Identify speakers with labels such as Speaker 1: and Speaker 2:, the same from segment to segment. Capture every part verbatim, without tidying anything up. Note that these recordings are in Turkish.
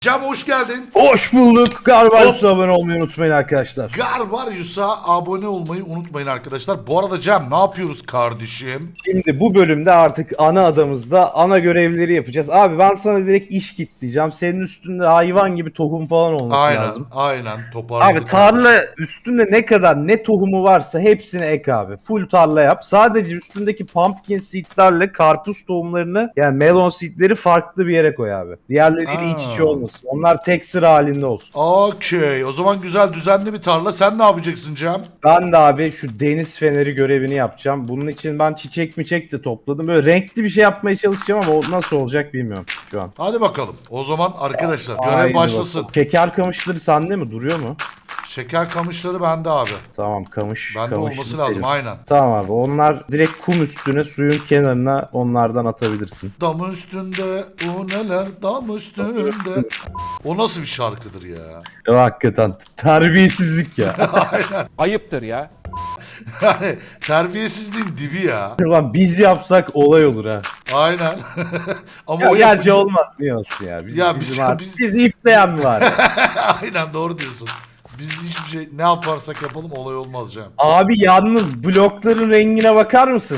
Speaker 1: Cem hoş geldin.
Speaker 2: Hoş bulduk. Garbaryus'a abone olmayı unutmayın arkadaşlar.
Speaker 1: Garbaryus'a abone olmayı unutmayın arkadaşlar. Bu arada Cem ne yapıyoruz kardeşim?
Speaker 2: Şimdi bu bölümde artık ana adamızda ana görevleri yapacağız. Abi ben sana direkt iş git diyeceğim. Senin üstünde hayvan gibi tohum falan olması
Speaker 1: Aynen,
Speaker 2: lazım.
Speaker 1: aynen toparladık.
Speaker 2: Abi tarla üstünde ne kadar ne tohumu varsa hepsini ek abi. Full tarla yap. Sadece üstündeki pumpkin seedlerle karpuz tohumlarını yani melon seedleri farklı bir yere koy abi. Diğerleriyle iç içe
Speaker 1: Aa.
Speaker 2: olmasın. Onlar tek sıra halinde olsun.
Speaker 1: Okey. O zaman güzel düzenli bir tarla. Sen ne yapacaksın Cem?
Speaker 2: Ben de abi şu deniz feneri görevini yapacağım. Bunun için ben çiçek miçek de topladım. Böyle renkli bir şey yapmaya çalışacağım ama o nasıl olacak bilmiyorum şu an.
Speaker 1: Hadi bakalım. O zaman arkadaşlar görev
Speaker 2: Haydi
Speaker 1: başlasın.
Speaker 2: bakalım. Şeker kamışları sende mi? Duruyor mu?
Speaker 1: Şeker kamışları bende abi.
Speaker 2: Tamam kamış.
Speaker 1: Bende
Speaker 2: kamışı
Speaker 1: olması
Speaker 2: senin.
Speaker 1: lazım aynen.
Speaker 2: Tamam abi onlar direkt kum üstüne suyun kenarına onlardan atabilirsin.
Speaker 1: Dam üstünde o neler dam üstünde. O nasıl bir şarkıdır ya?
Speaker 2: Ya hakikaten terbiyesizlik ya.
Speaker 1: Aynen.
Speaker 3: Ayıptır ya.
Speaker 1: Yani terbiyesizliğin dibi ya.
Speaker 2: Ulan biz yapsak olay olur ha.
Speaker 1: Aynen. Ama
Speaker 2: Ya
Speaker 1: o
Speaker 2: gerçi
Speaker 1: yapınca-
Speaker 2: olmaz niye olsun ya. Biz,
Speaker 1: Ya
Speaker 2: bizim
Speaker 1: biz-
Speaker 2: abi,
Speaker 1: biz-
Speaker 2: bizi ipleyen mi var?
Speaker 1: Aynen doğru diyorsun. Biz hiçbir şey ne yaparsak yapalım olay olmaz Cem.
Speaker 2: Abi yalnız blokların rengine bakar mısın?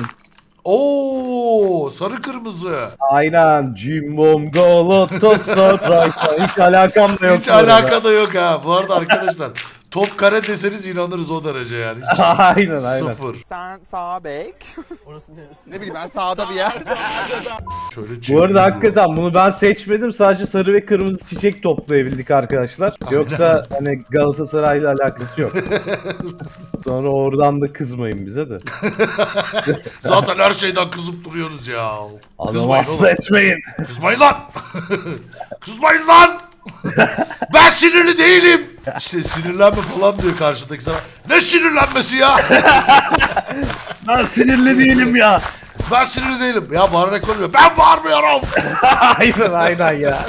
Speaker 1: Oo sarı kırmızı.
Speaker 2: Aynen. Cimbom Galatasaray. Hiç alakam da yok.
Speaker 1: Hiç
Speaker 2: bu arada.
Speaker 1: alaka da yok ha. Bu arada arkadaşlar top kare deseniz inanırız o derece yani. Hiç
Speaker 2: Aynen aynen.
Speaker 1: sıfır.
Speaker 3: Sen sağ bek. Orası neresi? Ne bileyim ben sağda bir yer.
Speaker 1: Şöyle
Speaker 2: Bu arada
Speaker 1: çeviriyorum.
Speaker 2: hakikaten bunu ben seçmedim. Sadece sarı ve kırmızı çiçek toplayabildik arkadaşlar. Yoksa hani Galatasaray'la alakası yok. Sonra oradan da kızmayın bize de.
Speaker 1: Zaten her şeyden kızıp duruyoruz ya.
Speaker 2: Adam
Speaker 1: Kızmayın
Speaker 2: hasta
Speaker 1: oğlum.
Speaker 2: etmeyin.
Speaker 1: Kızmayın lan. Kızmayın lan. Ben sinirli değilim. İşte sinirlenme falan diyor karşıdaki sana. Ne sinirlenmesi ya?
Speaker 2: Ben sinirli değilim ya.
Speaker 1: Ben sinirli değilim. Ya bağırarak olmuyor. Ben bağırmıyorum.
Speaker 2: aynen aynen ya.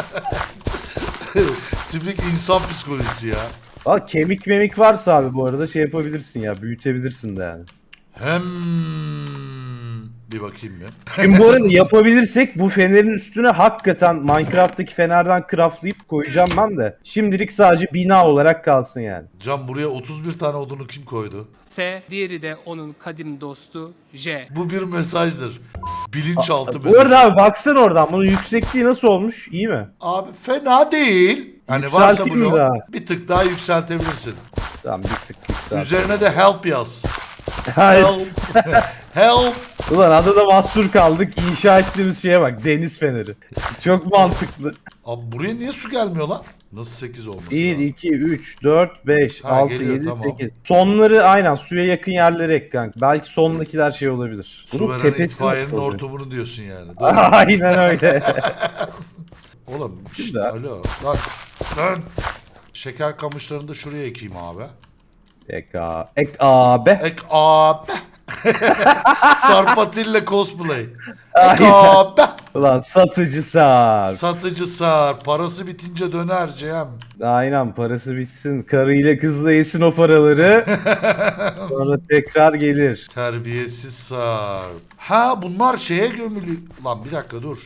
Speaker 1: Tipik insan psikolojisi ya.
Speaker 2: Aa, kemik memik varsa abi bu arada şey yapabilirsin ya. Büyütebilirsin de yani.
Speaker 1: Hem bir bakayım ya.
Speaker 2: Şimdi bu arada yapabilirsek bu fenerin üstüne hakikaten Minecraft'taki fenerden craftlayıp koyacağım ben de. Şimdilik sadece bina olarak kalsın yani.
Speaker 1: Can buraya otuz bir tane odunu kim koydu?
Speaker 4: S, diğeri de onun kadim dostu J.
Speaker 1: Bu bir mesajdır. Bilinçaltı
Speaker 2: Bu
Speaker 1: mesajı.
Speaker 2: arada abi baksana oradan bunun yüksekliği nasıl olmuş? İyi mi?
Speaker 1: Abi fena değil. Hani varsa
Speaker 2: Yükselteyim mi
Speaker 1: bunu
Speaker 2: daha?
Speaker 1: bir tık daha yükseltebilirsin.
Speaker 2: Tamam bir tık yükselt.
Speaker 1: Üzerine de help yaz.
Speaker 2: Hayır.
Speaker 1: Help. Help.
Speaker 2: Ulan adada mahsur kaldık. İnşa ettiğimiz şeye bak. Deniz feneri. Çok mantıklı.
Speaker 1: Abi buraya niye su gelmiyor lan? Nasıl sekiz olması
Speaker 2: bir,
Speaker 1: lazım?
Speaker 2: iki, üç, dört, beş,
Speaker 1: Ha,
Speaker 2: altı,
Speaker 1: geliyor,
Speaker 2: yedi,
Speaker 1: tamam.
Speaker 2: sekiz. Sonları aynen suya yakın yerlere ek kanka. Belki sondakiler şey olabilir.
Speaker 1: Su
Speaker 2: Bunun
Speaker 1: veren
Speaker 2: tepesi
Speaker 1: itfaiyenin
Speaker 2: nasıl oluyor?
Speaker 1: hortumunu diyorsun yani. Doğru.
Speaker 2: Aynen öyle.
Speaker 1: Oğlum işte
Speaker 2: Güzel.
Speaker 1: alo. Lan. Lan. Şeker kamışlarını da şuraya ekeyim abi.
Speaker 2: Ek, a ek abi.
Speaker 1: Ek abi. Sarpatilla cosplay. Ek
Speaker 2: Aynen.
Speaker 1: abi.
Speaker 2: Ulan satıcı sar.
Speaker 1: Satıcı sar. Parası bitince döner Cem.
Speaker 2: Aynen parası bitsin. Karıyla kızla yesin o paraları. Sonra tekrar gelir.
Speaker 1: Terbiyesiz sar. Ha bunlar şeye gömülü. Lan bir dakika dur.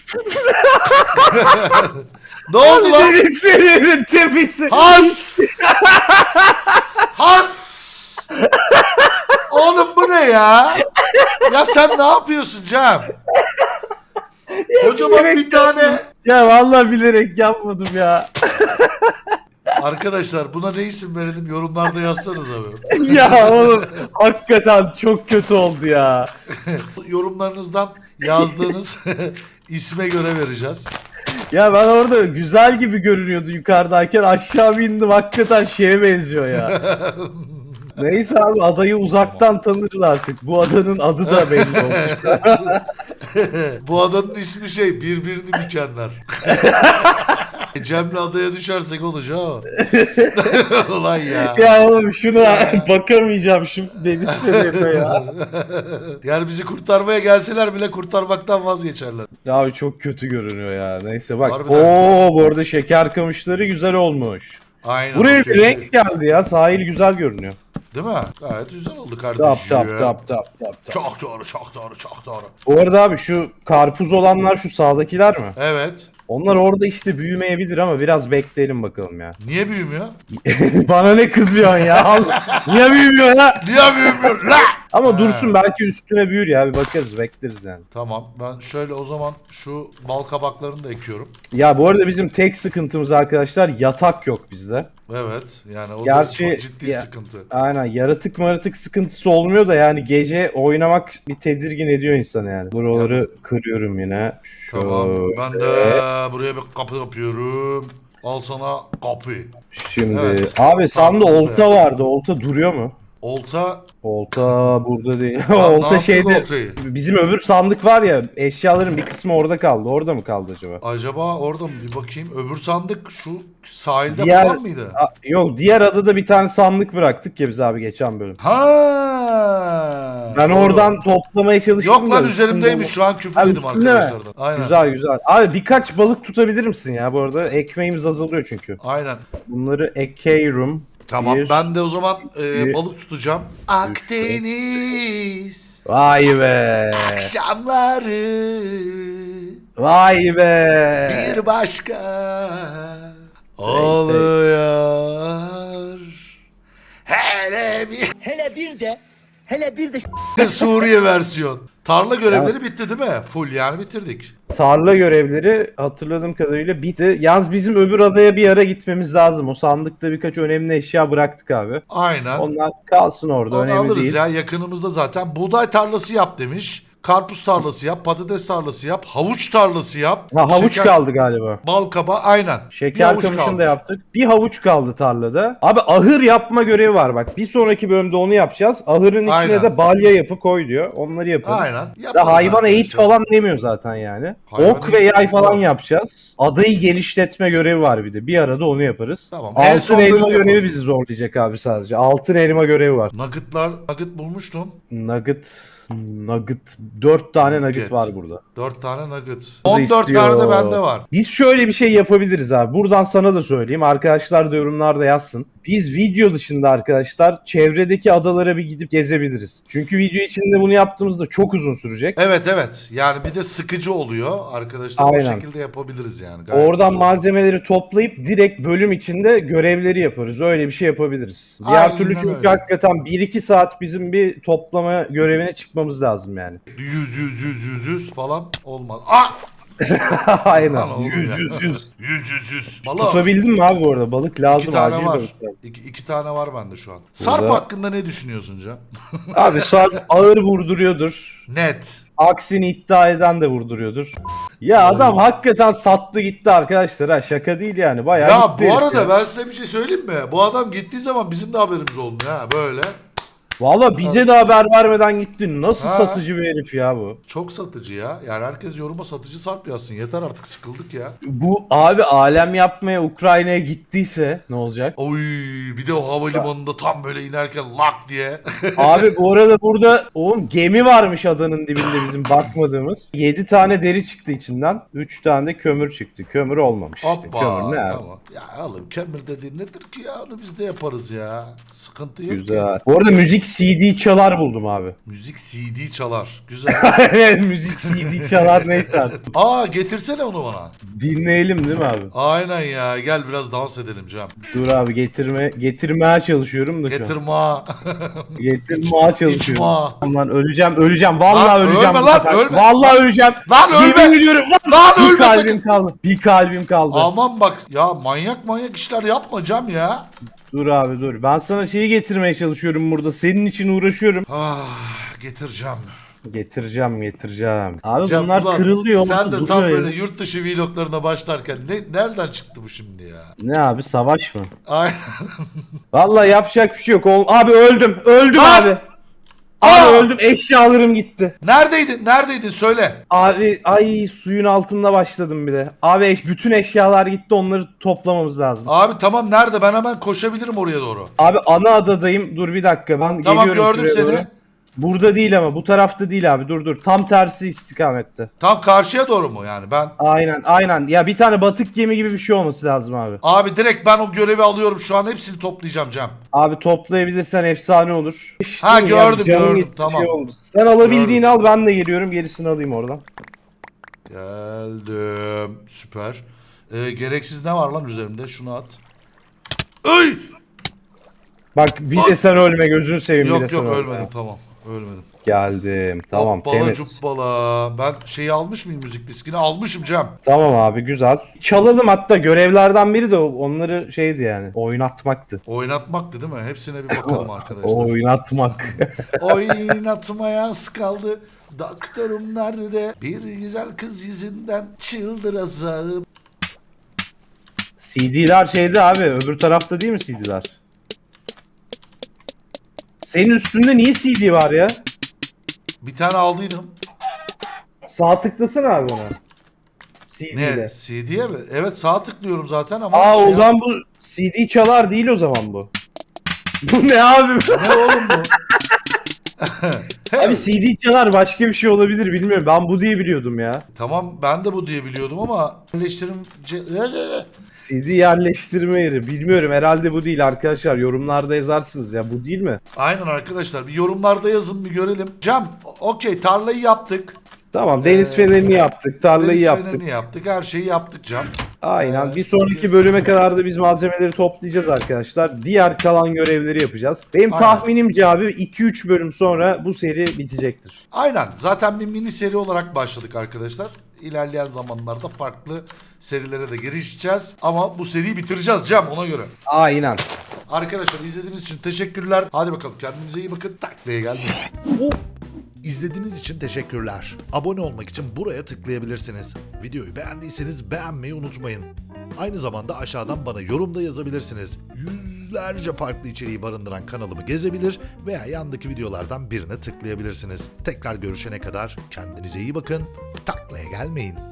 Speaker 1: Ne oldu lan?
Speaker 2: Deniz fenerinin tepesi.
Speaker 1: Has! Has! Oğlum bu ne ya? Ya sen ne yapıyorsun Cem? Kocaman bir tane.
Speaker 2: Ya vallahi bilerek yapmadım ya.
Speaker 1: Arkadaşlar buna ne isim verelim yorumlarda yazsanız abi.
Speaker 2: ya oğlum hakikaten çok kötü oldu ya.
Speaker 1: Yorumlarınızdan yazdığınız isme göre vereceğiz.
Speaker 2: Ya ben orada güzel gibi görünüyordu yukarıdayken aşağı bindim hakikaten şeye benziyor ya. Neyse abi adayı uzaktan tanırız artık. Bu adanın adı da belli olmuş.
Speaker 1: Bu adanın ismi şey birbirini bükenler. Cem'le adaya düşersek olacak ama. Ulan ya.
Speaker 2: ya oğlum şuna bakamayacağım şu deniz fenerine ya.
Speaker 1: Yani bizi kurtarmaya gelseler bile kurtarmaktan vazgeçerler.
Speaker 2: Abi çok kötü görünüyor ya. Neyse bak.
Speaker 1: Harbiden.
Speaker 2: Oo bu arada şeker kamışları güzel olmuş.
Speaker 1: Aynen.
Speaker 2: Buraya
Speaker 1: okey.
Speaker 2: bir renk geldi ya. Sahil güzel görünüyor.
Speaker 1: Değil mi? Gayet güzel oldu kardeşim.
Speaker 2: Tap tap tap tap tap tap.
Speaker 1: Çok doğru, çok doğru, çok doğru.
Speaker 2: Bu arada abi şu karpuz olanlar şu sağdakiler mi?
Speaker 1: Evet.
Speaker 2: Onlar orada işte büyümeyebilir ama biraz bekleyelim bakalım ya.
Speaker 1: Niye büyümüyor?
Speaker 2: Bana ne kızıyorsun ya? Allah. Niye büyümüyor ya?
Speaker 1: Niye büyümüyor? La!
Speaker 2: Ama
Speaker 1: Ha.
Speaker 2: dursun belki üstüne büyür ya. Bir bakarız, bekleriz yani.
Speaker 1: Tamam, ben şöyle o zaman şu bal kabaklarını da ekiyorum.
Speaker 2: Ya bu arada bizim tek sıkıntımız arkadaşlar yatak yok bizde.
Speaker 1: Evet, yani o
Speaker 2: Gerçi-
Speaker 1: da çok ciddi
Speaker 2: ya-
Speaker 1: sıkıntı.
Speaker 2: Aynen, yaratık maratık sıkıntısı olmuyor da yani gece oynamak bir tedirgin ediyor insanı yani. Buraları kırıyorum yine.
Speaker 1: Tamam,
Speaker 2: Şöyle.
Speaker 1: ben de buraya bir kapı yapıyorum. Al sana kapı.
Speaker 2: Şimdi
Speaker 1: Evet.
Speaker 2: abi sende
Speaker 1: Tamam,
Speaker 2: olta vardı. Olta duruyor mu?
Speaker 1: Olta,
Speaker 2: Olta burada değil.
Speaker 1: ne
Speaker 2: olta
Speaker 1: yaptın
Speaker 2: şeyde.
Speaker 1: oltayı?
Speaker 2: Bizim öbür sandık var ya, eşyaların bir kısmı orada kaldı. Orada mı kaldı acaba?
Speaker 1: Acaba orada mı? Bir bakayım. Öbür sandık şu sahilde
Speaker 2: Diğer-
Speaker 1: falan mıydı?
Speaker 2: A- yok, diğer adada bir tane sandık bıraktık ya biz abi geçen bölüm.
Speaker 1: Ha.
Speaker 2: Ben
Speaker 1: doğru.
Speaker 2: oradan toplamaya çalıştım.
Speaker 1: Yok lan
Speaker 2: da
Speaker 1: üzerimdeymiş
Speaker 2: üstünde-
Speaker 1: şu an
Speaker 2: Ha,
Speaker 1: küfürledim
Speaker 2: üstünde mi?
Speaker 1: arkadaşlardan. Aynen.
Speaker 2: Güzel güzel. Abi birkaç balık tutabilir misin ya bu arada? Ekmeğimiz azalıyor çünkü.
Speaker 1: Aynen.
Speaker 2: Bunları ekeyorum.
Speaker 1: Tamam
Speaker 2: Bir-
Speaker 1: ben de o zaman e,
Speaker 2: bir-
Speaker 1: balık tutacağım. Akdeniz
Speaker 2: Vay be.
Speaker 1: akşamları
Speaker 2: Vay be.
Speaker 1: bir başka oluyor. Hele bir
Speaker 5: Hele bir de, hele bir de
Speaker 1: Suriye versiyon. Tarla görevleri bitti değil mi? Full yani bitirdik.
Speaker 2: Tarla görevleri hatırladığım kadarıyla bitti. Yalnız bizim öbür adaya bir ara gitmemiz lazım. O sandıkta birkaç önemli eşya bıraktık abi.
Speaker 1: Aynen.
Speaker 2: Onlar kalsın orada,
Speaker 1: Onu
Speaker 2: önemli
Speaker 1: alırız
Speaker 2: değil.
Speaker 1: ya, yakınımızda zaten. Buğday tarlası yap demiş. Karpuz tarlası yap, patates tarlası yap, havuç tarlası yap.
Speaker 2: Ha, havuç
Speaker 1: şeker-
Speaker 2: kaldı galiba.
Speaker 1: Bal kaba aynen. Bir
Speaker 2: Şeker
Speaker 1: havuç
Speaker 2: kamışını
Speaker 1: kaldı.
Speaker 2: da yaptık. Bir havuç kaldı tarlada. Abi ahır yapma görevi var bak. Bir sonraki bölümde onu yapacağız. Ahırın içine
Speaker 1: Aynen.
Speaker 2: de balya yapı koy diyor. Onları yaparız.
Speaker 1: Aynen.
Speaker 2: Da
Speaker 1: Yaparız
Speaker 2: hayvan
Speaker 1: arkadaşlar.
Speaker 2: eğit falan demiyor zaten yani.
Speaker 1: Hayvan
Speaker 2: Ok ve
Speaker 1: eğit
Speaker 2: yay falan
Speaker 1: yok.
Speaker 2: yapacağız. Adayı genişletme görevi var bir de. Bir arada onu yaparız.
Speaker 1: Tamam. En
Speaker 2: Altın
Speaker 1: son
Speaker 2: elma
Speaker 1: bölümü
Speaker 2: görevi
Speaker 1: yaparız.
Speaker 2: bizi zorlayacak abi sadece. Altın elma görevi var.
Speaker 1: Nuggetlar, nugget bulmuştum.
Speaker 2: Nugget, nugget. Dört tane nugget,
Speaker 1: Nugget.
Speaker 2: var burada.
Speaker 1: dört tane nugget. on dört
Speaker 2: istiyor.
Speaker 1: tane de bende var.
Speaker 2: Biz şöyle bir şey yapabiliriz abi. Buradan sana da söyleyeyim. Arkadaşlar da yorumlarda yazsın. Biz video dışında arkadaşlar çevredeki adalara bir gidip gezebiliriz. Çünkü video içinde bunu yaptığımızda çok uzun sürecek.
Speaker 1: Evet evet. Yani bir de sıkıcı oluyor. Arkadaşlar o
Speaker 2: Aynen.
Speaker 1: şekilde yapabiliriz yani. Gayet
Speaker 2: Oradan
Speaker 1: güzel.
Speaker 2: malzemeleri toplayıp direkt bölüm içinde görevleri yaparız. Öyle bir şey yapabiliriz. Diğer
Speaker 1: Aynen
Speaker 2: türlü çünkü
Speaker 1: öyle.
Speaker 2: hakikaten bir iki saat bizim bir toplama görevine çıkmamız lazım yani.
Speaker 1: Yüz yüz yüz yüz yüz falan olmaz. Ah!
Speaker 2: Aynen.
Speaker 1: Lan oğlum
Speaker 2: Yüz
Speaker 1: ya.
Speaker 2: yüz yüz.
Speaker 1: Yüz yüz yüz. Balık.
Speaker 2: Tutabildin mi abi bu arada? Balık lazım.
Speaker 1: İki tane
Speaker 2: acil
Speaker 1: var.
Speaker 2: balık lazım.
Speaker 1: İki, iki tane var bende şu an. Sarp hakkında ne düşünüyorsun Can?
Speaker 2: Abi Sarp ağır vurduruyordur.
Speaker 1: Net.
Speaker 2: Aksini iddia eden de vurduruyordur. Ya adam hakikaten sattı gitti arkadaşlar ha, şaka değil yani, bayağı
Speaker 1: Ya
Speaker 2: gitti
Speaker 1: bu
Speaker 2: herif
Speaker 1: arada
Speaker 2: ya.
Speaker 1: ben size bir şey söyleyeyim mi? Bu adam gittiği zaman bizim de haberimiz olmuyor ha böyle.
Speaker 2: Valla bize de haber vermeden gitti. Nasıl
Speaker 1: Ha.
Speaker 2: satıcı bir herif ya bu.
Speaker 1: Çok satıcı ya. Yani herkes yoruma satıcı Sarp yazsın. Yeter artık, sıkıldık ya.
Speaker 2: Bu abi alem yapmaya Ukrayna'ya gittiyse ne olacak?
Speaker 1: Oy bir de o havalimanında tam böyle inerken lak diye.
Speaker 2: Abi bu arada burada oğlum gemi varmış adanın dibinde bizim bakmadığımız. yedi tane deri çıktı içinden. üç tane de kömür çıktı. Kömür olmamış işte.
Speaker 1: Hoppa
Speaker 2: Kömür ne abi?
Speaker 1: tamam. Ya oğlum kömür dediğin nedir ki ya? Onu biz de yaparız ya. Sıkıntı yok.
Speaker 2: Güzel.
Speaker 1: Ya.
Speaker 2: Bu arada müzik C D çalar buldum abi.
Speaker 1: Müzik C D çalar. Güzel.
Speaker 2: Evet, müzik C D çalar neyse artık.
Speaker 1: Aa getirsene onu bana.
Speaker 2: Dinleyelim değil mi abi?
Speaker 1: Aynen ya. Gel biraz dans edelim Cem.
Speaker 2: Dur abi getirme getirmeye çalışıyorum da şu an.
Speaker 1: Getirma.
Speaker 2: Getirmeye çalışıyorum.
Speaker 1: İçma.
Speaker 2: Lan öleceğim öleceğim vallahi
Speaker 1: Lan
Speaker 2: öleceğim.
Speaker 1: ölme
Speaker 2: bu
Speaker 1: lan,
Speaker 2: sefer.
Speaker 1: ölme.
Speaker 2: Vallahi öleceğim.
Speaker 1: Lan ölme.
Speaker 2: Yemin ediyorum lan.
Speaker 1: Lan
Speaker 2: Bir
Speaker 1: ölme
Speaker 2: kalbim
Speaker 1: sakın.
Speaker 2: kaldı. Bir kalbim kaldı.
Speaker 1: Aman bak ya, manyak manyak işler yapma Cem ya.
Speaker 2: Dur abi dur. Ben sana şeyi getirmeye çalışıyorum burada. Senin için uğraşıyorum.
Speaker 1: Ah getireceğim.
Speaker 2: Getireceğim getireceğim. Abi
Speaker 1: Cem,
Speaker 2: bunlar
Speaker 1: ulan
Speaker 2: kırılıyor.
Speaker 1: Sen
Speaker 2: mu?
Speaker 1: de
Speaker 2: Duruyor
Speaker 1: tam
Speaker 2: ya.
Speaker 1: böyle yurt dışı vloglarına başlarken ne, nereden çıktı bu şimdi ya?
Speaker 2: Ne abi, savaş mı?
Speaker 1: Aynen.
Speaker 2: Vallahi yapacak bir şey yok. Oğlum, abi öldüm. Öldüm
Speaker 1: Lan!
Speaker 2: abi.
Speaker 1: Aa!
Speaker 2: Abi öldüm. Eşyalarım gitti.
Speaker 1: Neredeydin? Neredeydin? Söyle.
Speaker 2: Abi ay suyun altında başladım bir de. Abi eş- bütün eşyalar gitti, onları toplamamız lazım.
Speaker 1: Abi tamam, nerede? Ben hemen koşabilirim oraya doğru.
Speaker 2: Abi ana adadayım. Dur bir dakika, ben
Speaker 1: Tamam
Speaker 2: geliyorum
Speaker 1: gördüm
Speaker 2: şuraya
Speaker 1: seni.
Speaker 2: doğru. Burada değil ama bu tarafta değil abi, dur dur. Tam tersi istikamette.
Speaker 1: Tam karşıya doğru mu yani? Ben
Speaker 2: Aynen aynen. Ya bir tane batık gemi gibi bir şey olması lazım abi.
Speaker 1: abi direkt ben o görevi alıyorum şu an, hepsini toplayacağım Cem.
Speaker 2: Abi toplayabilirsen efsane olur.
Speaker 1: Ha,
Speaker 2: Ya,
Speaker 1: gördüm,
Speaker 2: canım
Speaker 1: gördüm,
Speaker 2: gitti,
Speaker 1: tamam.
Speaker 2: Şey oldu. Sen alabildiğini
Speaker 1: Gördüm.
Speaker 2: al, ben de geliyorum, gerisini alayım oradan.
Speaker 1: Geldim. Süper. Ee, gereksiz ne var lan üzerimde? Şunu at. Ay!
Speaker 2: Bak bir de sen ölme gözünü seveyim bir de
Speaker 1: Yok
Speaker 2: sen
Speaker 1: yok
Speaker 2: ölme.
Speaker 1: ölmedim tamam. Ölmedim.
Speaker 2: Geldim. Tamam
Speaker 1: Hoppala
Speaker 2: temiz.
Speaker 1: cuppala. Ben şeyi almış mıyım, müzik diskini? Almışım Cem.
Speaker 2: Tamam abi güzel. Çalalım, hatta görevlerden biri de onları şeydi yani. Oynatmaktı.
Speaker 1: Oynatmaktı değil mi? Hepsine bir bakalım arkadaşlar.
Speaker 2: Oynatmak.
Speaker 1: Oynatmaya az kaldı. Doktorum nerede? Bir güzel kız yüzünden çıldıracağım.
Speaker 2: C D'ler şeydi abi, öbür tarafta değil mi C D'ler? Senin üstünde niye C D var ya?
Speaker 1: Bir tane aldıydım.
Speaker 2: Sağ tıklasana abi ona. C D'de.
Speaker 1: Ne? C D'ye mi? Evet sağ tıklıyorum zaten ama.
Speaker 2: Aa
Speaker 1: şey
Speaker 2: o zaman bu C D çalar değil o zaman bu. Bu ne abi?
Speaker 1: Ne oğlum bu?
Speaker 2: Abi C D çalar başka bir şey olabilir bilmiyorum. Ben bu diye biliyordum ya.
Speaker 1: Tamam ben de bu diye biliyordum ama yerleştirim...
Speaker 2: C D yerleştirme yeri. Bilmiyorum herhalde bu değil arkadaşlar. Yorumlarda yazarsınız ya, bu değil mi?
Speaker 1: Aynen arkadaşlar bir yorumlarda yazın bir görelim. Cem okey tarlayı yaptık.
Speaker 2: Tamam deniz
Speaker 1: Ee,
Speaker 2: fenerini yaptık. Tarlayı
Speaker 1: Deniz
Speaker 2: yaptık.
Speaker 1: fenerini yaptık. Her şeyi yaptık Cem.
Speaker 2: Aynen.
Speaker 1: Ee,
Speaker 2: Bir sonraki bölüme kadar da biz malzemeleri toplayacağız arkadaşlar. Diğer kalan görevleri yapacağız. Benim
Speaker 1: Aynen.
Speaker 2: tahminimce abi iki üç bölüm sonra bu seri bitecektir.
Speaker 1: Aynen. Zaten bir mini seri olarak başladık arkadaşlar. İlerleyen zamanlarda farklı serilere de girişeceğiz. Ama bu seriyi bitireceğiz Cem ona göre.
Speaker 2: Aynen.
Speaker 1: Arkadaşlar izlediğiniz için teşekkürler. Hadi bakalım kendinize iyi bakın. Taklaya geldim. İzlediğiniz için teşekkürler. Abone olmak için buraya tıklayabilirsiniz. Videoyu beğendiyseniz beğenmeyi unutmayın. Aynı zamanda aşağıdan bana yorumda yazabilirsiniz. Yüzlerce farklı içeriği barındıran kanalımı gezebilir veya yandaki videolardan birine tıklayabilirsiniz. Tekrar görüşene kadar kendinize iyi bakın. Taklaya gelmeyin.